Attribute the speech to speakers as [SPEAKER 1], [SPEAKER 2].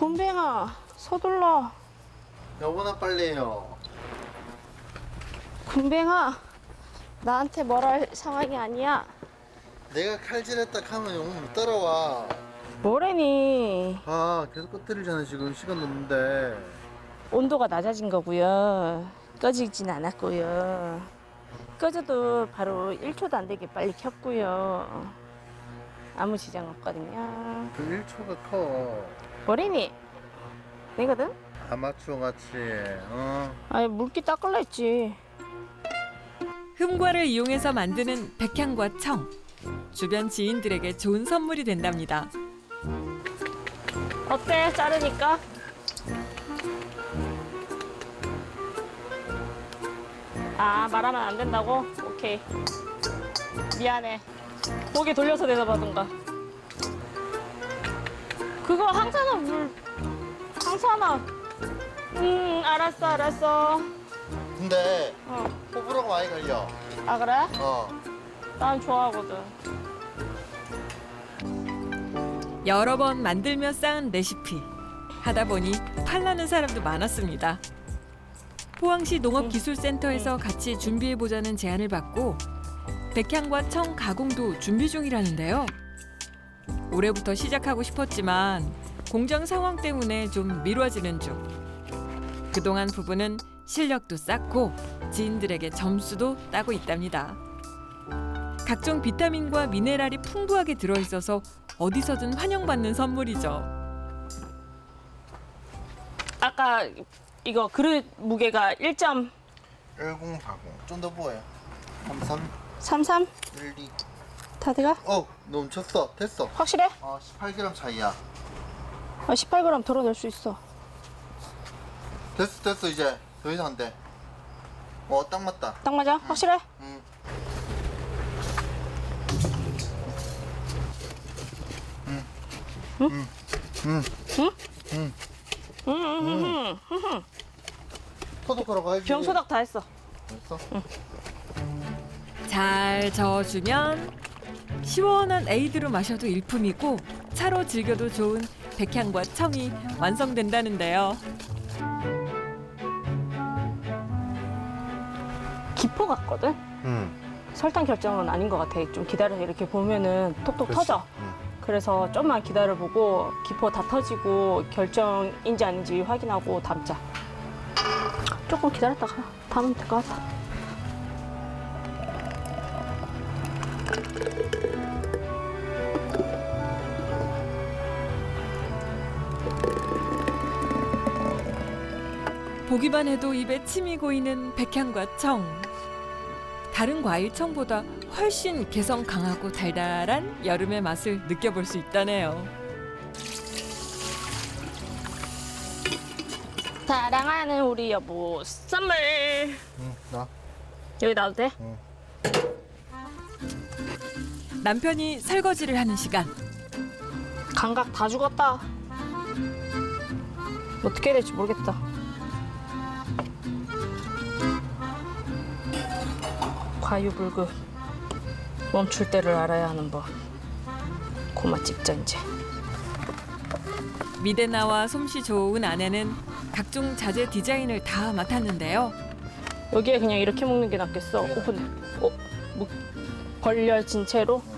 [SPEAKER 1] 곰뱅아, 서둘러.
[SPEAKER 2] 여보나 빨리 해요.
[SPEAKER 1] 곰뱅아, 나한테 뭘 할 상황이 아니야.
[SPEAKER 2] 내가 칼질했다 하면 영웅 못 따라와.
[SPEAKER 1] 뭐래니?
[SPEAKER 2] 아 계속 꺼뜨리잖아. 지금 시간 넘는데.
[SPEAKER 1] 온도가 낮아진 거고요. 꺼지진 않았고요. 꺼져도 바로 1초도 안 되게 빨리 켰고요. 아무 지장 없거든요.
[SPEAKER 2] 그 1초가 커.
[SPEAKER 1] 뭐래니? 내거든?
[SPEAKER 2] 아마추어 같이.
[SPEAKER 1] 아니 물기 닦을라 했지.
[SPEAKER 3] 흠과를 이용해서 만드는 백향과 청. 주변 지인들에게 좋은 선물이 된답니다.
[SPEAKER 1] 어때? 자르니까? 아 말하면 안 된다고? 오케이. 미안해. 고개 돌려서 대답하던가. 그거 항산화 물. 항산화. 알았어.
[SPEAKER 2] 근데
[SPEAKER 1] 어.
[SPEAKER 2] 호불호가 많이 갈려.
[SPEAKER 1] 아 그래?
[SPEAKER 2] 어.
[SPEAKER 1] 난 좋아하거든.
[SPEAKER 3] 여러 번 만들며 쌓은 레시피. 하다 보니 팔라는 사람도 많았습니다. 포항시 농업기술센터에서 같이 준비해보자는 제안을 받고 백향과 청 가공도 준비 중이라는데요. 올해부터 시작하고 싶었지만 공장 상황 때문에 좀 미뤄지는 중. 그동안 부부는 실력도 쌓고 지인들에게 점수도 따고 있답니다. 각종 비타민과 미네랄이 풍부하게 들어있어서 어디서든 환영받는 선물이죠.
[SPEAKER 1] 아까 이거 그릇 무게가 1점
[SPEAKER 2] 1040. 좀 더 보여. 33,
[SPEAKER 1] 33?
[SPEAKER 2] 12.
[SPEAKER 1] 다 돼가?
[SPEAKER 2] 넘쳤어. 됐어.
[SPEAKER 1] 확실해?
[SPEAKER 2] 18g 차이야.
[SPEAKER 1] 18g 덜어낼 수 있어.
[SPEAKER 2] 됐어 이제. 더 이상 안 돼. 딱 맞다.
[SPEAKER 1] 딱 맞아? 확실해?
[SPEAKER 2] 응. 소독하러 가야지.
[SPEAKER 1] 병소닥 다 했어.
[SPEAKER 2] 됐어?
[SPEAKER 3] 잘 저어주면 시원한 에이드로 마셔도 일품이고 차로 즐겨도 좋은 백향과 청이 완성된다는데요.
[SPEAKER 1] 기포 같거든? 설탕 결정은 아닌 것 같아. 좀 기다려서 이렇게 보면은 톡톡 터져. 그래서 좀만 기다려보고 기포 다 터지고 결정인지 아닌지 확인하고 담자. 조금 기다렸다가 담으면 될 것 같아.
[SPEAKER 3] 보기만 해도 입에 침이 고이는 백향과 청. 다른 과일 청보다 훨씬 개성 강하고 달달한 여름의 맛을 느껴볼 수 있다네요.
[SPEAKER 1] 사랑하는 우리 여보 선물.
[SPEAKER 2] 나.
[SPEAKER 1] 여기 놔도 돼?
[SPEAKER 3] 남편이 설거지를 하는 시간.
[SPEAKER 1] 감각 다 죽었다. 어떻게 해야 될지 모르겠다. 과유불급. 멈출 때를 알아야 하는 법. 고마 찍자 이제.
[SPEAKER 3] 미대나와 솜씨 좋은 아내는 각종 자재 디자인을 다 맡았는데요.
[SPEAKER 1] 여기에 그냥 이렇게 먹는 게 낫겠어. 오픈. 벌려진 채로.